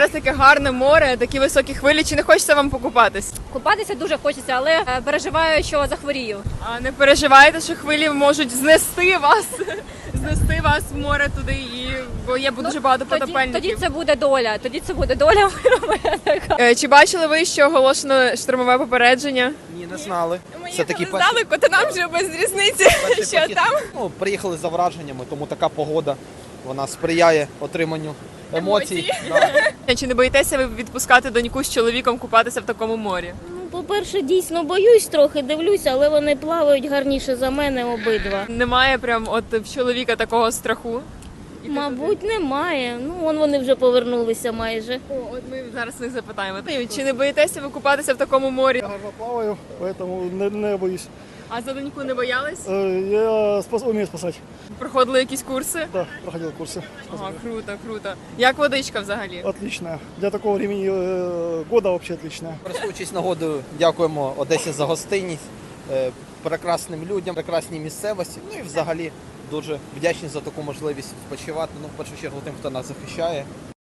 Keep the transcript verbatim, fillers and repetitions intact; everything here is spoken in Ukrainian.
Зараз таке гарне море, такі високі хвилі. Чи не хочеться вам покупатись? Купатися дуже хочеться, але е, переживаю, що захворію. А не переживаєте, що хвилі можуть знести вас, знести вас в море туди, і бо є дуже багато Тоді, потопельників. тоді це буде доля. Тоді це буде доля моя така. Е, Чи бачили ви, що оголошено штормове попередження? Ні, не знали. Ми Це такі їхали перші, здалеку, то нам вже без різниці, перший що похід. там. Ну, приїхали за враженнями, тому така погода, вона сприяє отриманню емоцій. Емоцій. Да. Чи не боїтеся ви відпускати доньку з чоловіком купатися в такому морі? Ну, по-перше, дійсно боюсь трохи, дивлюся, але вони плавають гарніше за мене обидва. Немає прям от в чоловіка такого страху? Мабуть, немає. Ну, вон вони вже повернулися майже. О, от ми зараз них запитаємо. Чи не боїтеся ви купатися в такому морі? Я гарно плаваю, поэтому не, не боюсь. А за доньку не боялись? Э, Я спас, умею спасать. Проходили якісь курси? Да, проходил курсы. Ага, круто, круто. Як водичка взагалі? Отлично. Для такого времени э, года вообще отлично. Користуючись нагодою, дякуємо Одесі за гостинність, е, прекрасним людям, прекрасній місцевості. Ну і взагалі дуже вдячні за таку можливість відпочивати. Ну, в першу чергу тим, хто нас захищає.